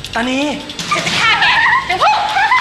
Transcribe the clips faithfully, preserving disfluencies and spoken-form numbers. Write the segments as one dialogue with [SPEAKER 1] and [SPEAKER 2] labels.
[SPEAKER 1] ตานี
[SPEAKER 2] ฉันจะฆ่าแกนางผู้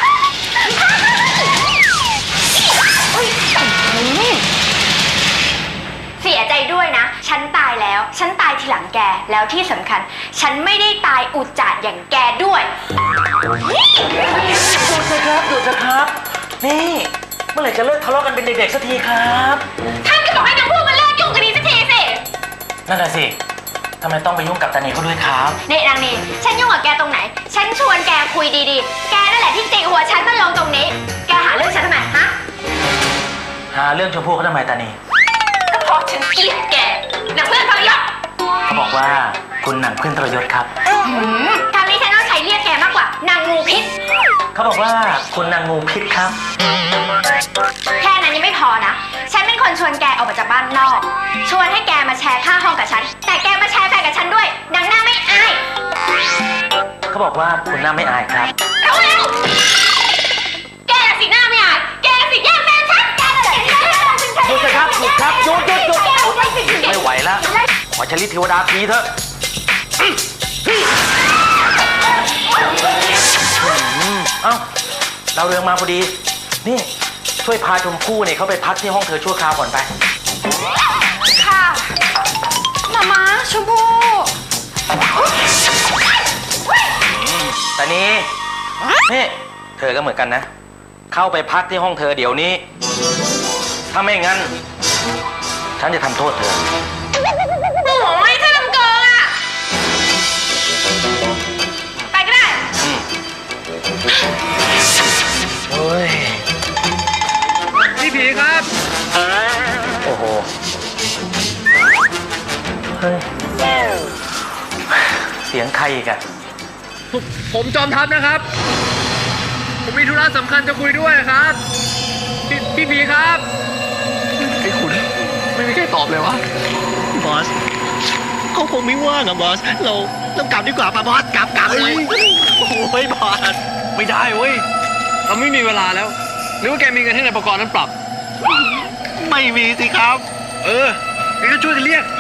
[SPEAKER 2] เสียใจด้วยนะฉันตายแล้วฉันตายทีหลังแกแล้วที่สำคัญฉันไม่ได้ตายอุจจาระอย่างแกด้วย
[SPEAKER 1] หยุดเลยครับหยุดนะครับนี่เมื่อไหร่จะเลิกทะเลาะกันเป็นเด็กๆสักทีครับ
[SPEAKER 2] ท่านก็บอกให้นางผู้มาเลิกยุ่งกันนี้สักทีสิ
[SPEAKER 1] นั่นแหละสิทำไมต้องไปยุ่งกับตานีเขาด้วยครับ
[SPEAKER 2] นี่นางนีฉันยุ่งกับแกตรงไหนฉันชวนแกคุยดีๆแกนั่นแหละที่จิกหัวฉันมาลงตรงนี้แกหาเรื่องฉันทำไมฮะ
[SPEAKER 1] หาเรื่องชมพู่เขาทำไมตานี
[SPEAKER 2] ก็เพราะฉันเกลียดแกนางเพื่อนทรยศ
[SPEAKER 1] เขาบอกว่าคุณนางเพื่อนทรยศครับ
[SPEAKER 2] คำนี้ฉันต้องใช้เรียกแกมากกว่านางงูพิษ
[SPEAKER 1] เขาบอกว่าคุณนางงูพิษครับ
[SPEAKER 2] แค่นั้นยังไม่พอนะฉันเป็นคนชวนแกออกมาจากบ้านนอกชวนให้แกมาแชร์ค่าห้องกับฉันแต่แกมาแชร์แฟนกับฉันด้วยนางหน้าไม่อาย
[SPEAKER 1] เขาบอกว่าคุณหน้าไม่อายครับ
[SPEAKER 2] เอาเร็วแกสิหน้าไม่อายแกสิแย่งแฟนฉันแกสิหน้าไม่อาย
[SPEAKER 1] หยุดเลยครับหยุดครับหยุดหยุดหยุดไม่ไหวแล้วขอชลิดเทวดาทีเถอะเอ้าเราเรื่องมาพอดีนี่ช่วยพาชมพู่เนี่ยเขาไปพักที่ห้องเธอชั่วคราวก่อนไป
[SPEAKER 2] ค่ะมาม้าชมพู่
[SPEAKER 1] แต่นี้นี่เธอก็เหมือนกันนะเข้าไปพักที่ห้องเธอเดี๋ยวนี้ถ้าไม่งั้นฉันจะทำโทษเธอ
[SPEAKER 2] โอ้ยถ้าทำเกินอ่ะไปก็ได้
[SPEAKER 1] โอ้ย
[SPEAKER 3] พี่ผีครับ
[SPEAKER 1] โอ้โหเฮ้ยเสียงใครอีกอะ
[SPEAKER 3] ผมจอมทัพนะครับผมมีธุระสำคัญจะคุยด้วยครับพี่พี่ผีครับไอ้คุณไม่มีใครตอบเลยวะ
[SPEAKER 4] บอสเขาคงไม่ว่างอะบอสเราเรากลับดีกว่าป่ะบอสกลับกลับเลยโอ้ยบอส
[SPEAKER 3] ไม่ได้เว้ยเราไม่มีเวลาแล้วหรือว่าแกมีเงินให้นายประกรณ์นั้นปรับ
[SPEAKER 4] ไม่มีสิครับ
[SPEAKER 3] เออแกก็ช่วยกันเรียก